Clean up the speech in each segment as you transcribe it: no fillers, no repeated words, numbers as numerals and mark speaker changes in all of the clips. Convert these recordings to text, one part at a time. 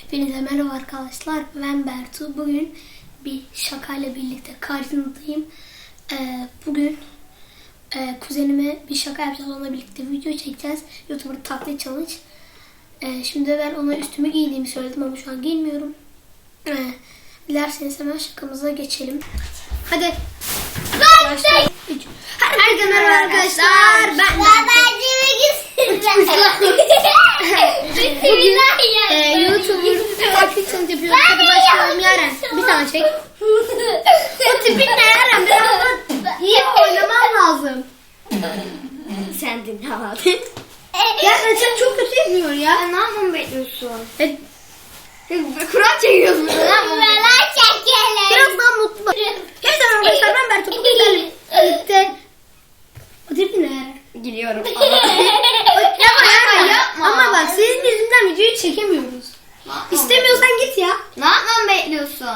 Speaker 1: Hepinize merhaba arkadaşlar. Ben Bertu. Bugün bir şakayla birlikte karşınızdayım. Bugün kuzenime bir şaka yapacağız. Onunla birlikte video çekeceğiz. YouTuber taklit challenge. Şimdi ben ona üstümü giydiğimi söyledim ama şu an giymiyorum. Dilerseniz hemen şakamıza geçelim. Hadi. Başlayalım. Herkese merhaba arkadaşlar. Ben bugün YouTuber taklit challenge yapıyoruz. Hadi başlayalım Yaren. Bir tane çek. O tipin ne Yaren? Biraz da iyi oynaman lazım.
Speaker 2: Sen dinle abi.
Speaker 1: Yaren sen çok kötü yapıyorsun ya.
Speaker 2: Ne yapmamı bekliyorsun? Kur'an çekiyorsun.
Speaker 1: Biraz daha mutlu. Hepsi arkadaşlar ben Bertu. Bugün birlikte. O tipin ne Yaren?
Speaker 2: Gülüyorum.
Speaker 1: Yapma. Ama bak senin yüzünden videoyu çekemiyoruz. İstemiyorsan git ya.
Speaker 2: Ne yapmamı bekliyorsun?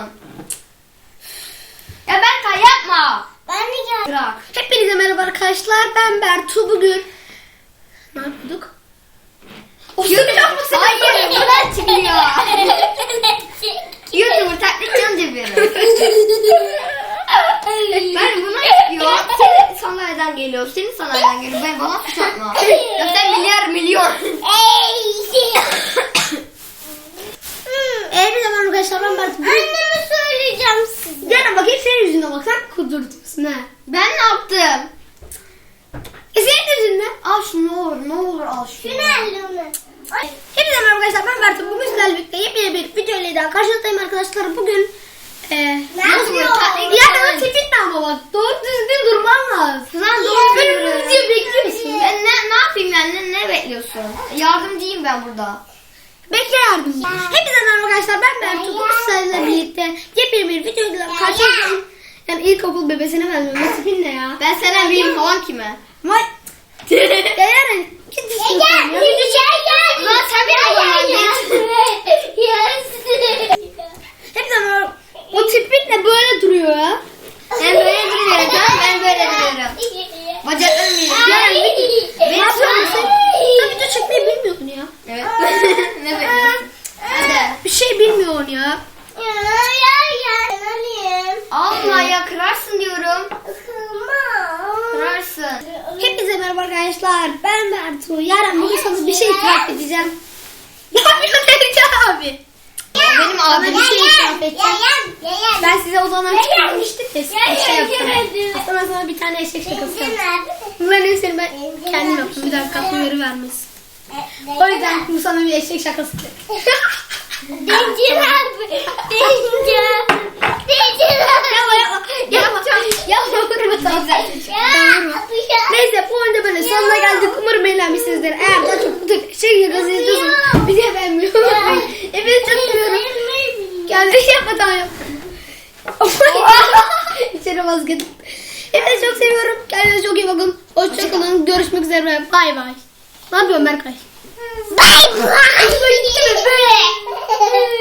Speaker 2: Ya Berkay yapma.
Speaker 3: Ben de gel.
Speaker 2: Bırak.
Speaker 1: Hepinize merhaba arkadaşlar. Ben Bertu. Bugün ne yapıyorduk?
Speaker 2: Hayır, buradan çıkıyor. YouTuber taklit challenge yapıyoruz. Ben bunu yapıyor. Senin sandalyeden geliyor. Senin sandalyeden geliyor. Ben bana suç atma. Ya sen milyon.
Speaker 1: Hepinize merhaba arkadaşlar. Ben Bertu.
Speaker 3: Anneme söyleyeceğim size.
Speaker 1: Yarın bakayım senin yüzüne bak. Sen kudurtuyorsun ha.
Speaker 2: Ben ne yaptım?
Speaker 1: Senin yüzünden.
Speaker 2: Al şunu ne olur al şunu.
Speaker 3: Günaydın.
Speaker 1: Hepinize merhaba arkadaşlar. Ben Bertu. Bugün sizlerle birlikte yepyeni bir video ile daha karşınızdayım arkadaşlar. Bugün
Speaker 2: Nasıl böyle taklit?
Speaker 1: ya tipin ne ama bak. Doğru düzgün durman lazım.
Speaker 2: Lan doğru
Speaker 1: Benim
Speaker 2: söylüyorum.
Speaker 1: video bekliyorsun.
Speaker 2: Ben ne yapayım yani ne bekliyorsun? Yardımcıyım ben burada.
Speaker 1: Bekle yardımcı. Hepinize merhaba arkadaşlar. Ben Bertu. Bugün sizlerle birlikte yepyeni bir video ile karşınızdayım. Yani ilkokul bebesine benziyorum. Bu tipin ne ya?
Speaker 2: Ben senden büyüğüm falan kime?
Speaker 1: Vay. Ya Yaren. Git istiyorsan ya.
Speaker 2: Lan sen benim babamdan geç.
Speaker 1: Hepinize merhaba. O tipin ne böyle duruyor ya?
Speaker 2: Ben böyle duruyorum tamam ben böyle duruyorum. Bacaklarım büyüyor.
Speaker 1: Yaren
Speaker 2: Ne yapıyorsun?
Speaker 1: sen video çekmeyi bilmiyordun ya.
Speaker 2: Evet. Ne bekliyorsun? Hadi.
Speaker 1: Bir şey bilmiyorsun ya.
Speaker 2: Alma ya kırarsın diyorum. Kırarsın.
Speaker 1: Hepinize merhaba arkadaşlar. Ben Bertu. Yaren bugün sana bir şey itiraf edeceğim. Ne yapıyorsun Ercan abi?
Speaker 2: Ya benim abim
Speaker 1: bir şey itiraf edeceğim. Ben size o zaman çıkarmıştık ya. Şey yaptım. Aslında sana bir tane eşek şakası yaptım. Bunların hepsini ben kendim yaptım. Bir dakika uyarı vermesi. O yüzden bu sana bir eşek şakası. Neyse bu oyunda böyle sonuna geldik. Umarım eğlenmişsinizdir. Eğer daha çok bu tür eşek şakası istiyorsanız bizi beğenmiyorum. Hepinizi çok seviyorum. Kendisi yapma tamam yap. İçeri vazgeçtim. Hepinizi çok seviyorum. Kendinize çok iyi bakın. Hoşçakalın. Görüşmek üzere. Bay bay. Ne yapıyorsun Berkay?
Speaker 3: Bye bye.